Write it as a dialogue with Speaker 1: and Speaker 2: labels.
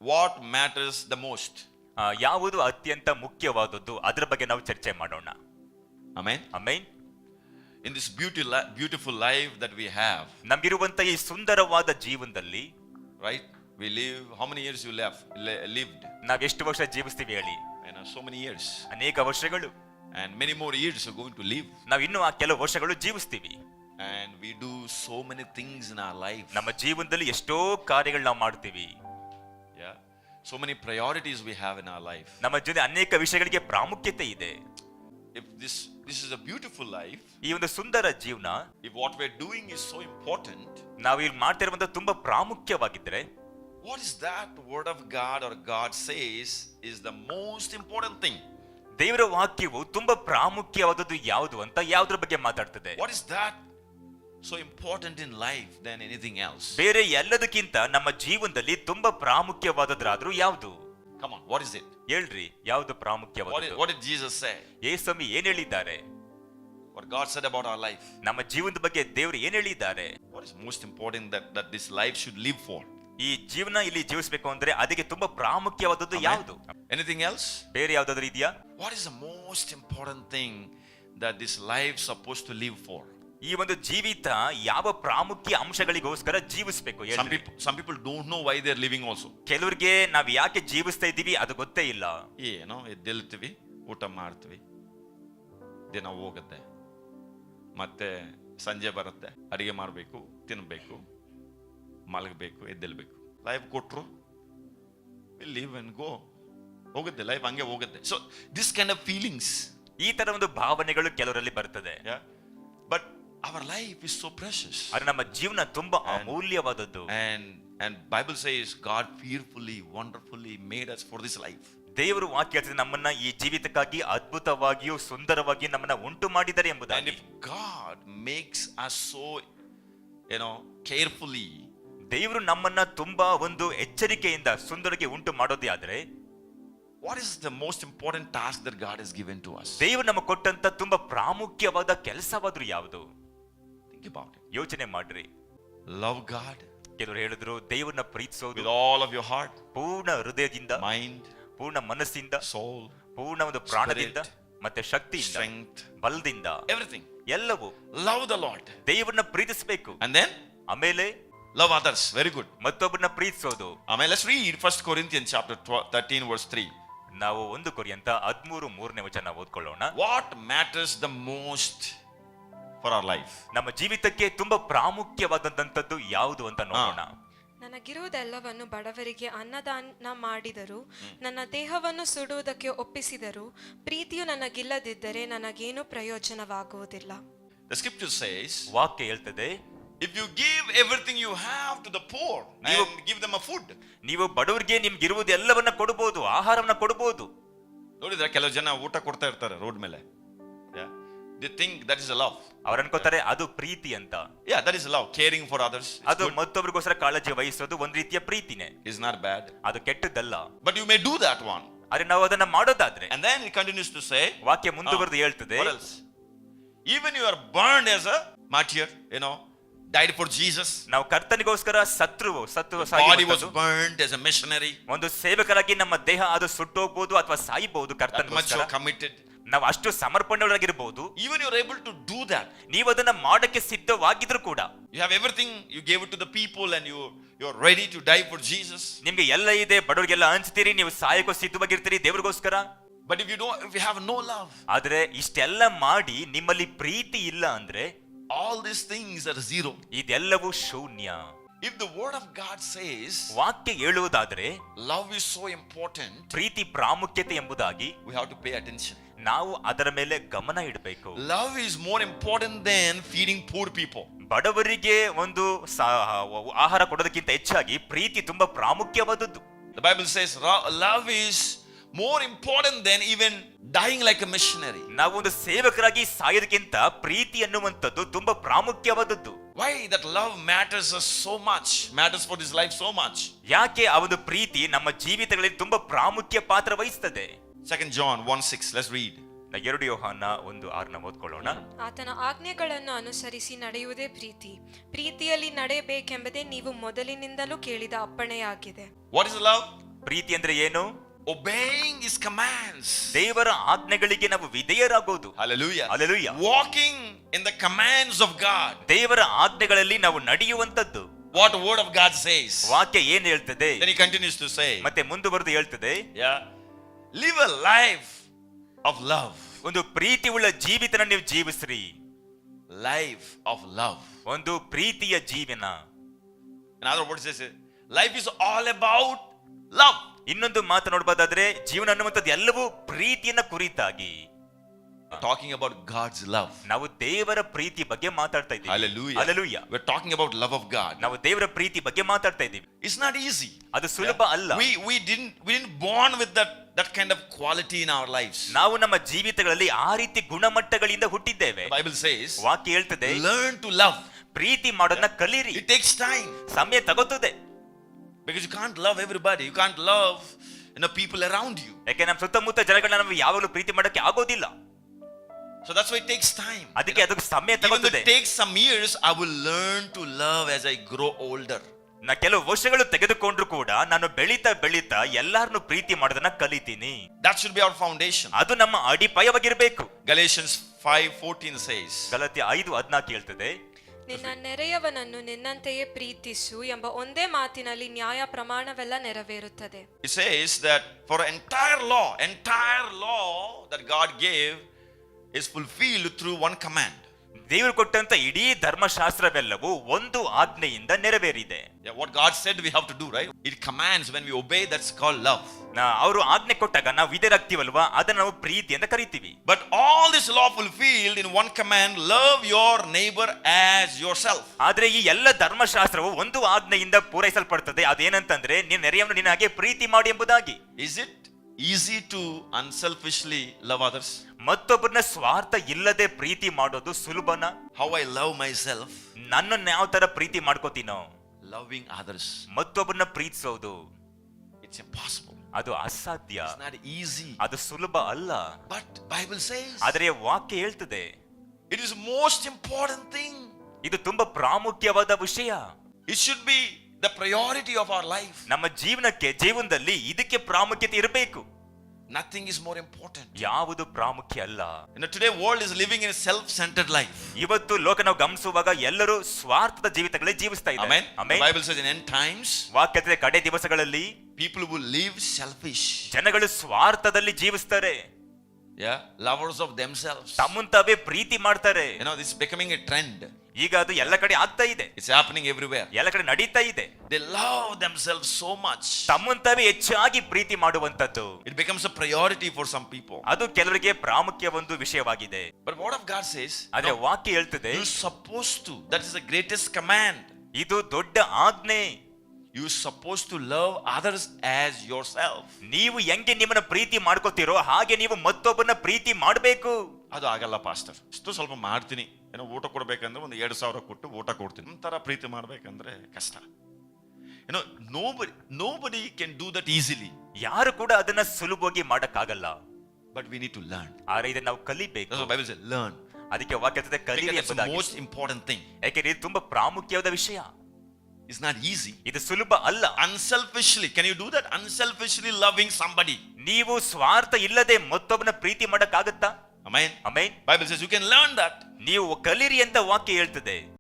Speaker 1: what matters the most.
Speaker 2: ಯಾವುದು ಅತ್ಯಂತ ಮುಖ್ಯವಾದದ್ದು ಅದರ ಬಗ್ಗೆ ನಾವು ಚರ್ಚೆ ಮಾಡೋಣ.
Speaker 1: Amen.
Speaker 2: Amen.
Speaker 1: In this beautiful life that we have,
Speaker 2: ನಮಗಿರುವಂತ ಈ ಸುಂದರವಾದ ಜೀವನದಲ್ಲಿ,
Speaker 1: right? We live, how many years you lived?
Speaker 2: ನಾವು ಎಷ್ಟು ವರ್ಷ ಜೀವಿಸ್ತೀವಿ ಹೇಳಿ?
Speaker 1: So many years.
Speaker 2: ಅನೇಕ ವರ್ಷಗಳು.
Speaker 1: And many more years are going to live.
Speaker 2: ನಾವು ಇನ್ನೂ ಆ ಕೆಲವು ವರ್ಷಗಳು ಜೀವಿಸ್ತೀವಿ.
Speaker 1: And we do so many things in our life.
Speaker 2: ನಮ್ಮ ಜೀವನದಲ್ಲಿ ಎಷ್ಟೋ ಕಾರ್ಯಗಳು ನಾವು ಮಾಡ್ತೀವಿ.
Speaker 1: Yeah. So many priorities we have in our life.
Speaker 2: ನಮ್ಮ ಜೊತೆ ಅನೇಕ ವಿಷಯಗಳಿಗೆ ಪ್ರಾಮುಖ್ಯತೆ ಇದೆ.
Speaker 1: If this is a beautiful life,
Speaker 2: ಈ ಒಂದು ಸುಂದರ ಜೀವನ,
Speaker 1: if what we're doing is so important,
Speaker 2: ನಾವು ಇಲ್ಲಿ ಮಾಡ್ತಿರುವಂತ ತುಂಬಾ ಪ್ರಾಮುಖ್ಯವಾಗಿದ್ರೆ,
Speaker 1: what is that word of God or God says is the most important thing?
Speaker 2: ದೇವರ ವಾಕ್ಯವು ತುಂಬಾ ಪ್ರಾಮುಖ್ಯವಾದದ್ದು ಯಾವುದು ಅಂತ ಯಾವುದ್ರ ಬಗ್ಗೆ ಮಾತಾಡ್ತದೆ?
Speaker 1: What is that so important in life than anything else?
Speaker 2: ಬೇರೆ ಎಲ್ಲದಕ್ಕಿಂತ ನಮ್ಮ ಜೀವನದಲ್ಲಿ ತುಂಬಾ ಪ್ರಾಮುಖ್ಯವಾದದ್ರಾದ್ರೂ ಯಾವುದು?
Speaker 1: Come on, what is it?
Speaker 2: ಹೇಳ್ರಿ, ಯಾವುದು ಪ್ರಾಮುಖ್ಯವಾದದ್ದು?
Speaker 1: What did Jesus say?
Speaker 2: ಯೇಸು ಏನ್ ಹೇಳಿದ್ದಾರೆ?
Speaker 1: What God said about our life?
Speaker 2: ನಮ್ಮ ಜೀವನದ ಬಗ್ಗೆ ದೇವರು ಏನ್ ಹೇಳಿದ್ದಾರೆ?
Speaker 1: What is most important that this life should live for?
Speaker 2: ಈ ಜೀವನ ಇಲ್ಲಿ ಜೀವಿಸಬೇಕು ಅಂದ್ರೆ ಅದಕ್ಕೆ ತುಂಬಾ ಪ್ರಾಮುಖ್ಯವಾದದ್ದು ಯಾವುದು?
Speaker 1: Anything else?
Speaker 2: ಬೇರೆ ಯಾವ್ದಾದ್ರು ಇದೆಯಾ?
Speaker 1: What is the most important thing that this life supposed to live for?
Speaker 2: ಈ ಒಂದು ಜೀವಿತ ಯಾವ ಪ್ರಾಮುಖ್ಯ ಅಂಶಗಳಿಗೋಸ್ಕರ ಜೀವಿಸಬೇಕು?
Speaker 1: Some people don't know why they are living also.
Speaker 2: ಕೆಲವರಿಗೆ ನಾವ್ ಯಾಕೆ ಜೀವಿಸ್ತಾ ಇದ್ದೀವಿ ಅದು ಗೊತ್ತೇ ಇಲ್ಲ.
Speaker 1: ಏನೋ ಎದ್ದೇಳ್ತೀವಿ, ಊಟ ಮಾಡ್ತೀವಿ, ದಿನ ಹೋಗುತ್ತೆ, ಮತ್ತೆ ಸಂಜೆ ಬರುತ್ತೆ, ಅಡಿಗೆ ಮಾಡಬೇಕು, ತಿನ್ಬೇಕು, ಮಲಗಬೇಕು, ಎದ್ದೇಳ್ಬೇಕು. ಲೈಫ್ ಕೊಟ್ರು, live and go, ಹೋಗುತ್ತೆ ಲೈಫ್, ಹಂಗೆ ಹೋಗುತ್ತೆ. So this kind of feelings,
Speaker 2: ಈ ತರ ಒಂದು ಭಾವನೆಗಳು ಕೆಲವರಲ್ಲಿ ಬರ್ತದೆ.
Speaker 1: But our life is so precious.
Speaker 2: ಆದ್ರೆ ನಮ್ಮ ಜೀವನ ತುಂಬಾ ಅಮೂಲ್ಯವಾದದ್ದು.
Speaker 1: And Bible says God fearfully, wonderfully made us for this life.
Speaker 2: ದೇವರು ವಾಕ್ಯ ಹೇಳ್ತದೆ ನಮ್ಮನ್ನ ಈ ಜೀವಿತಕ್ಕಾಗಿ ಅದ್ಭುತವಾಗಿಯೂ ಸುಂದರವಾಗಿಯೂ ನಮ್ಮನ್ನ ಉಂಟು ಮಾಡಿದ್ದಾರೆ ಎಂಬುದಾಗಿ.
Speaker 1: And if God makes us so, carefully,
Speaker 2: ದೇವರು ನಮ್ಮನ್ನ ತುಂಬಾ ಒಂದು ಎಚ್ಚರಿಕೆಯಿಂದ ಸುಂದರಕ್ಕೆ ಉಂಟು ಮಾಡೋದೇ ಆದ್ರೆ,
Speaker 1: what is the most important task that God has given to us?
Speaker 2: ದೇವರು ನಮಗೆ ಕೊಟ್ಟಂತ ತುಂಬಾ ಪ್ರಾಮುಖ್ಯವಾದ ಕೆಲಸವಾದ್ರೂ ಯಾವುದು?
Speaker 1: Think about it.
Speaker 2: ಯೋಚನೆ ಮಾಡ್ರಿ.
Speaker 1: Love God.
Speaker 2: ಕೆಲವರು ಹೇಳಿದ್ರು ದೇವರನ್ನ ಪ್ರೀತಿಸೋದು
Speaker 1: with all of your heart,
Speaker 2: ಪೂರ್ಣ ಹೃದಯದಿಂದ,
Speaker 1: mind,
Speaker 2: ಪೂರ್ಣ ಮನಸ್ಸಿಂದ,
Speaker 1: soul,
Speaker 2: ಪೂರ್ಣ ಒಂದು ಪ್ರಾಣದಿಂದ, ಮತ್ತೆ ಶಕ್ತಿಯಿಂದ,
Speaker 1: strength,
Speaker 2: ಬಲದಿಂದ,
Speaker 1: everything.
Speaker 2: ಎಲ್ಲವೂ.
Speaker 1: Love the Lord.
Speaker 2: ದೇವರನ್ನ ಪ್ರೀತಿಸಬೇಕು.
Speaker 1: And then
Speaker 2: ಆಮೇಲೆ
Speaker 1: love others. Very good.
Speaker 2: ಮತ್ತೊಬ್ಬರನ್ನ ಪ್ರೀತಿಸೋದು.
Speaker 1: Amen. Let's read 1 Corinthians chapter 13 verse 3.
Speaker 2: ನಾವು 1 ಕೊರಿಂಥ 13:3 ಓದ್ಕೊಳ್ಳೋಣ.
Speaker 1: What matters the most for our life?
Speaker 2: ನಮ್ಮ ಜೀವಿತಕ್ಕೆ ತುಂಬಾ ಪ್ರಾಮುಖ್ಯವಾದಂತದ್ದು ಯಾವುದು ಅಂತ ನೋಡೋಣ.
Speaker 3: ನನಗಿರುವುದೆಲ್ಲವನ್ನು ಬಡವರಿಗೆ ಅನ್ನದಾನ ಮಾಡಿದರು, ನನ್ನ ದೇಹವನ್ನು ಸುಡುವುದಕ್ಕೆ ಒಪ್ಪಿಸಿದರು, ಪ್ರೀತಿಯು ನನಗಿಲ್ಲದಿದ್ದರೆ ನನಗೇನು ಪ್ರಯೋಜನವಾಗುವುದಿಲ್ಲ.
Speaker 1: The scripture says,
Speaker 2: ವಾಕ್ಯ ಹೇಳ್ತದೆ,
Speaker 1: if you give everything you have to the poor and give them a food.
Speaker 2: ನೀವು ಬಡವರಿಗೆ ನಿಮ್ಗಿರುವುದೆಲ್ಲವನ್ನ ಕೊಡಬಹುದು, ಆಹಾರವನ್ನ ಕೊಡಬಹುದು.
Speaker 1: ನೋಡಿದ್ರೆ ಕೆಲವು ಜನ ಊಟ ಕೊಡ್ತಾ ಇರ್ತಾರೆ ರೋಡ್ ಮೇಲೆ. They think that is a love.
Speaker 2: ಅವರು ಅನ್ಕೋತಾರೆ ಅದು ಪ್ರೀತಿ ಅಂತ.
Speaker 1: Yeah, that is love. Caring for others.
Speaker 2: ಅದು ಮತ್ತೊಬ್ಬರಿಗೋಸ್ಕರ ಕಾಳಜಿ ವಹಿಸೋದು ಒಂದು ರೀತಿಯ ಪ್ರೀತಿನೇ.
Speaker 1: Is not bad.
Speaker 2: ಅದು ಕೆಟ್ಟದ್ದಲ್ಲ.
Speaker 1: But you may do that one.
Speaker 2: ಆದ್ರೆ ನಾವು ಅದನ್ನ ಮಾಡೋದಾದ್ರೆ.
Speaker 1: And then it continues to say,
Speaker 2: ವಾಕ್ಯ ಮುಂದುವರೆದು ಹೇಳ್ತದೆ,
Speaker 1: what else? Even you are burned as a martyr, died for Jesus.
Speaker 2: ನಾವು ಕರ್ತನಿಗೋಸ್ಕರ ಸತ್ತು
Speaker 1: body was burned as a missionary.
Speaker 2: ಒಂದು ಸೇವಕರಾಗಿ ನಮ್ಮ ದೇಹ ಅದು ಸುಟ್ಟೋಗ್ಬೋದು ಅಥವಾ ಸಾಯಬಹುದು ಕರ್ತನಿಗೋಸ್ಕರ.
Speaker 1: Committed.
Speaker 2: ನಾವು ಅಷ್ಟು ಸಮರ್ಪಣೆಯೊಳಗಿರಬಹುದು.
Speaker 1: Even you are able to do that.
Speaker 2: ನೀವು ಅದನ್ನ ಮಾಡಕ್ಕೆ ಸಿದ್ಧವಾಗಿದ್ರು ಕೂಡ,
Speaker 1: you have everything, you gave it to the people and you are ready to die for Jesus.
Speaker 2: ನಿಮ್ಗೆ ಎಲ್ಲ ಇದೆ, ಬಡವರಿಗೆಲ್ಲ ಹಂಚ್ತೀರಿ, ನೀವು ಸಾಯಕ್ಕೂ ಸಿದ್ಧವಾಗಿರ್ತೀರಿ ದೇವರಿಗೋಸ್ಕರ.
Speaker 1: But if you have no love,
Speaker 2: ಆದ್ರೆ ಇಷ್ಟೆಲ್ಲ ಮಾಡಿ ನಿಮ್ಮಲ್ಲಿ ಪ್ರೀತಿ ಇಲ್ಲ ಅಂದ್ರೆ
Speaker 1: all these things are zero.
Speaker 2: ಇದೆಲ್ಲವೂ ಶೂನ್ಯ.
Speaker 1: If the word of God says,
Speaker 2: ವಾಕ್ಯ ಹೇಳುವುದಾದ್ರೆ
Speaker 1: love is so important,
Speaker 2: ಪ್ರೀತಿ ಪ್ರಾಮುಖ್ಯತೆ ಎಂಬುದಾಗಿ,
Speaker 1: we have to pay attention.
Speaker 2: ನಾವು ಅದರ ಮೇಲೆ ಗಮನ ಇಡಬೇಕು.
Speaker 1: Love is more important than feeding poor people.
Speaker 2: ಬಡವರಿಗೆ ಒಂದು ಆಹಾರ ಕೊಡೋದಕ್ಕಿಂತ ಹೆಚ್ಚಾಗಿ ಪ್ರೀತಿ ತುಂಬಾ ಪ್ರಾಮುಖ್ಯವಾದದ್ದು.
Speaker 1: The Bible says love is more important than even dying like a missionary.
Speaker 2: ನಾವು ಒಂದು ಸೇವಕರಾಗಿ ಸಾಯೋದಕ್ಕಿಂತ ಪ್ರೀತಿ ಅನ್ನುವಂಥದ್ದು ತುಂಬಾ ಪ್ರಾಮುಖ್ಯವಾದದ್ದು.
Speaker 1: Why that love matters us so much, matters for this life so much?
Speaker 2: ಯಾಕೆ ಆ ಒಂದು ಪ್ರೀತಿ ನಮ್ಮ ಜೀವಿತಗಳಲ್ಲಿ ತುಂಬಾ ಪ್ರಾಮುಖ್ಯ ಪಾತ್ರ ವಹಿಸುತ್ತದೆ?
Speaker 1: 2 John 1:6. Let's read.
Speaker 2: 2 ಯೋಹಾನ 1:6 ಓದ್ಕೊಳ್ಳೋಣ.
Speaker 3: ಆತನ ಆಜ್ಞೆಗಳನ್ನು ಅನುಸರಿಸಿ ನಡೆಯುವುದೇ ಪ್ರೀತಿ, ಪ್ರೀತಿಯಲ್ಲಿ ನಡೆಯಬೇಕೆಂಬುದೇ ನೀವು ಮೊದಲಿನಿಂದಲೂ ಕೇಳಿದ ಅಪ್ಪಣೆಯಾಗಿದೆ.
Speaker 1: What is love?
Speaker 2: ಪ್ರೀತಿ ಅಂದ್ರೆ ಏನು?
Speaker 1: obeying his commands.
Speaker 2: ದೇವರ ಆಜ್ಞೆಗಳಿಗೆ ನಾವು ವಿಧೇಯರಾಗೋದು.
Speaker 1: Hallelujah.
Speaker 2: Hallelujah.
Speaker 1: Walking in the commands of God.
Speaker 2: ದೇವರ ಆಜ್ಞೆಗಳಲ್ಲಿ ನಾವು ನಡೆಯುವಂತದ್ದು.
Speaker 1: What the word of God says.
Speaker 2: ವಾಕ್ಯ ಏನ್ ಹೇಳ್ತದೆ?
Speaker 1: Then he continues to say,
Speaker 2: ಮತ್ತೆ ಮುಂದುವರೆದು ಹೇಳ್ತದೆ,
Speaker 1: yeah, live a life of love.
Speaker 2: ಒಂದು ಪ್ರೀತಿ ಉಳ್ಳ ಜೀವಿತನ ನೀವು ಜೀವಿಸ್ರಿ.
Speaker 1: Life of love.
Speaker 2: ಒಂದು ಪ್ರೀತಿಯ ಜೀವನ.
Speaker 1: In other words, life is all about love.
Speaker 2: ಇನ್ನೊಂದು ಮಾತು ನೋಡಬಹುದಾದ್ರೆ ಜೀವನ ಅನ್ನುವಂಥದ್ದು ಎಲ್ಲವೂ ಪ್ರೀತಿಯನ್ನ ಕುರಿತಾಗಿ.
Speaker 1: Talking about God's love.
Speaker 2: ನಾವು ದೇವರ ಪ್ರೀತಿ ಬಗ್ಗೆ ಮಾತಾಡ್ತಾ ಇದ್ದೀವಿ.
Speaker 1: Hallelujah.
Speaker 2: Hallelujah.
Speaker 1: We're talking about love of God.
Speaker 2: ನಾವು ದೇವರ ಪ್ರೀತಿ ಬಗ್ಗೆ ಮಾತಾಡ್ತಾ ಇದ್ದೀವಿ.
Speaker 1: It's not easy.
Speaker 2: ಅದು ಸುಲಭ ಅಲ್ಲ.
Speaker 1: We didn't born with that kind of quality in our lives.
Speaker 2: ನಾವು ನಮ್ಮ ಜೀವಿತಗಳಲ್ಲಿ ಆ ರೀತಿ ಗುಣಮಟ್ಟಗಳಿಂದ ಹುಟ್ಟಿದ್ದೇವೆ.
Speaker 1: The Bible says,
Speaker 2: ವಾಕ್ಯ ಹೇಳ್ತದೆ,
Speaker 1: learn to love.
Speaker 2: ಪ್ರೀತಿ ಮಾಡೋದನ್ನ ಕಲೀರಿ.
Speaker 1: It takes time.
Speaker 2: ಸಮಯ ತಗೋತದೆ.
Speaker 1: Because you can't love everybody. You can't love people around you.
Speaker 2: ಯಾಕೆ ನಮ್ಮ ಸುತ್ತಮುತ್ತ ಜನಗಳನ್ನ ನಾವು ಯಾವಾಗಲೂ ಪ್ರೀತಿ ಮಾಡಕ್ಕೆ ಆಗೋದಿಲ್ಲ.
Speaker 1: So that's why it takes time.
Speaker 2: ಅದಕ್ಕೆ ಅದಕ್ಕೆ ಸಮಯ
Speaker 1: Even though
Speaker 2: ತಗೋತದೆ.
Speaker 1: it takes some years, I will learn to love as I grow older.
Speaker 2: ನಾ ಕೆಲವು ವರ್ಷಗಳು ತೆಗೆದುಕೊಂಡ್ರು ಕೂಡ ನಾನು ಬೆಳೀತಾ ಬೆಳೀತಾ ಎಲ್ಲಾರನ್ನು ಪ್ರೀತಿ ಮಾಡೋದನ್ನ ಕಲಿತೀನಿ.
Speaker 1: That should be our foundation.
Speaker 2: ಅದು ನಮ್ಮ ಅಡಿಪಾಯವಾಗಿರ್ಬೇಕು.
Speaker 1: Galatians 5:14 says,
Speaker 2: ಗಲಾತ್ಯ 5:14 ಹೇಳ್ತದೆ,
Speaker 3: ನಿನ್ನ ನೆರೆಯವನನ್ನು ನಿನ್ನಂತೆಯೇ ಪ್ರೀತಿಸು ಎಂಬ ಒಂದೇ ಮಾತಿನಲ್ಲಿ ನ್ಯಾಯ ಪ್ರಮಾಣವೆಲ್ಲ ನೆರವೇರುತ್ತದೆ.
Speaker 1: it says that for entire law that God gave is fulfilled through one command.
Speaker 2: ದೇವರು ಕೊಟ್ಟಂತ ಇಡೀ ಧರ್ಮಶಾಸ್ತ್ರವೆಲ್ಲವೂ ಒಂದು ಆಜ್ಞೆಯಿಂದ ನೆರವೇರಿದೆ.
Speaker 1: Yeah, what God said we have to do, right? It commands. When we obey, that's called love.
Speaker 2: ಅವರು ಆಜ್ಞೆ ಕೊಟ್ಟಾಗ ನಾವು ವಿಧೇಯರಾಗ್ತೀವಲ್ವಾ, ಅದನ್ನ ನಾವು ಪ್ರೀತಿ ಅಂತ ಕರಿತೀವಿ.
Speaker 1: But all this law fulfilled in one command, love your neighbor as yourself.
Speaker 2: ಆದ್ರೆ ಈ ಎಲ್ಲ ಧರ್ಮಶಾಸ್ತ್ರವು ಒಂದು ಆಜ್ಞೆಯಿಂದ ಪೂರೈಸಲ್ಪಡ್ತದೆ. ಅದೇನಂತಂದ್ರೆ ನಿನ್ನ ನೆರೆಯವನು ನಿನ್ನ ಹಾಗೆ ಪ್ರೀತಿ ಮಾಡಿ ಎಂಬುದಾಗಿ.
Speaker 1: Is it easy to unselfishly love others?
Speaker 2: ಮತ್ತೊಬ್ಬರನ್ನ ಸ್ವಾರ್ಥ ಇಲ್ಲದೆ ಪ್ರೀತಿ ಮಾಡೋದು ಸುಲಭನ?
Speaker 1: How I love myself,
Speaker 2: ನನ್ನನ್ನು ಯಾವ ತರ ಪ್ರೀತಿ ಮಾಡ್ಕೋತೀನೋ,
Speaker 1: loving others,
Speaker 2: ಮತ್ತೊಬ್ಬರನ್ನ ಪ್ರೀತಿಸೋದು
Speaker 1: it's impossible.
Speaker 2: ಅದು ಅಸಾಧ್ಯ.
Speaker 1: It's not easy.
Speaker 2: ಅದು ಸುಲಭ ಅಲ್ಲ.
Speaker 1: But Bible says
Speaker 2: ಆದರೆ ವಾಕ್ಯ ಹೇಳ್ತದೆ
Speaker 1: it is most important thing.
Speaker 2: ಇದು ತುಂಬಾ ಪ್ರಾಮುಖ್ಯವಾದ ವಿಷಯ.
Speaker 1: It should be the priority of our life.
Speaker 2: ನಮ್ಮ ಜೀವನದಲ್ಲಿ ಇದಕ್ಕೆ ಪ್ರಾಮುಖ್ಯತೆ ಇರಬೇಕು.
Speaker 1: Nothing is more important.
Speaker 2: ಯಾವುದು ಪ್ರಾಮುಖ್ಯ ಅಲ್ಲ.
Speaker 1: Today world is living in a self-centered life.
Speaker 2: ಇವತ್ತು ಲೋಕ ನಾವು ಗಮನಿಸುವಾಗ ಎಲ್ಲರೂ ಸ್ವಾರ್ಥದ ಜೀವಿತಗಳೇ ಜೀವಿಸ್ತಾ ಇದ್ದಾರೆ.
Speaker 1: Amen. The Bible says in end times,
Speaker 2: ವಾಕ್ಯದ ಕಡೆ ದಿವಸಗಳಲ್ಲಿ
Speaker 1: people will live selfish.
Speaker 2: ಜನಗಳು ಸ್ವಾರ್ಥದಲ್ಲಿ ಜೀವಿಸ್ತಾರೆ.
Speaker 1: Yeah, lovers of themselves.
Speaker 2: ತಮ್ಮನ್ ತಾವೇ ಪ್ರೀತಿ ಮಾಡ್ತಾರೆ.
Speaker 1: This is becoming a trend.
Speaker 2: ಈಗ ಅದು ಎಲ್ಲ ಕಡೆ ಆಗ್ತಾ ಇದೆ.
Speaker 1: It's happening everywhere.
Speaker 2: ಎಲ್ಲ ಕಡೆ ನಡೀತಾ ಇದೆ.
Speaker 1: They love themselves so much.
Speaker 2: ತಮ್ಮನ್ ತಾವೇ ಹೆಚ್ಚಾಗಿ ಪ್ರೀತಿ ಮಾಡುವಂತದ್ದು.
Speaker 1: It becomes a priority for some people.
Speaker 2: ಅದು ಕೆಲವರಿಗೆ ಪ್ರಾಮುಖ್ಯ ಒಂದು ವಿಷಯವಾಗಿದೆ.
Speaker 1: But what of God says?
Speaker 2: ಆದ್ರೆ ವಾಕ್ಯ ಹೇಳ್ತದೆ,
Speaker 1: You're supposed to. That is the greatest command.
Speaker 2: ಇದು ದೊಡ್ಡ ಆಜ್ಞೆ.
Speaker 1: You're supposed to love others as yourself.
Speaker 2: ನೀವು ಹೆಂಗೆ ನಿಮ್ಮನ್ನ ಪ್ರೀತಿ ಮಾಡ್ಕೋತೀರೋ ಹಾಗೆ ನೀವು ಮತ್ತೊಬ್ಬರನ್ನ ಪ್ರೀತಿ ಮಾಡಬೇಕು.
Speaker 1: ಅದು ಆಗಲ್ಲ ಪಾಸ್ಟರ್. ಇಷ್ಟು ಸ್ವಲ್ಪ ಮಾಡ್ತೀನಿ, ಊಟ ಕೊಡ್ಬೇಕಂದ್ರೆ ಒಂದು 2,000 ಕೊಟ್ಟು ಊಟ ಕೊಡ್ತೀನಿ. ಒಂಥರ ಪ್ರೀತಿ ಮಾಡ್ಬೇಕಂದ್ರೆ ಕಷ್ಟ. Nobody can do that easily.
Speaker 2: ಯಾರು ಕೂಡ ಅದನ್ನ ಸುಲಭವಾಗಿ ಮಾಡಕ್ಕಾಗಲ್ಲ.
Speaker 1: But we need to learn.
Speaker 2: ಆದ್ರೆ ಇದನ್ನ ನಾವು ಕಲಿಬೇಕು.
Speaker 1: That's what Bible says, learn.
Speaker 2: ಅದಕ್ಕೆ ವಾಕ್ಯ ಹೇಳ್ತದೆ ಕಲಿಯಿರಿ
Speaker 1: That's the
Speaker 2: ಎಂಬುದಾಗಿ.
Speaker 1: most important thing.
Speaker 2: ಯಾಕೆಂದ್ರೆ ಇದು ತುಂಬಾ ಪ್ರಾಮುಖ್ಯವಾದ ವಿಷಯ.
Speaker 1: It's not easy.
Speaker 2: ಇದು ಸುಲಭ ಅಲ್ಲ.
Speaker 1: Unselfishly, can you do that? Unselfishly loving somebody.
Speaker 2: ನೀವು ಸ್ವಾರ್ಥ ಇಲ್ಲದೆ ಮತ್ತೊಬ್ಬನ ಪ್ರೀತಿ ಮಾಡಕ್ಕಾಗತ್ತಾ?
Speaker 1: Amen.
Speaker 2: Amen.
Speaker 1: Bible says you can learn that.
Speaker 2: ನೀವು ಕಲಿರಿ ಅಂತ ವಾಕ್ಯ ಹೇಳ್ತದೆ.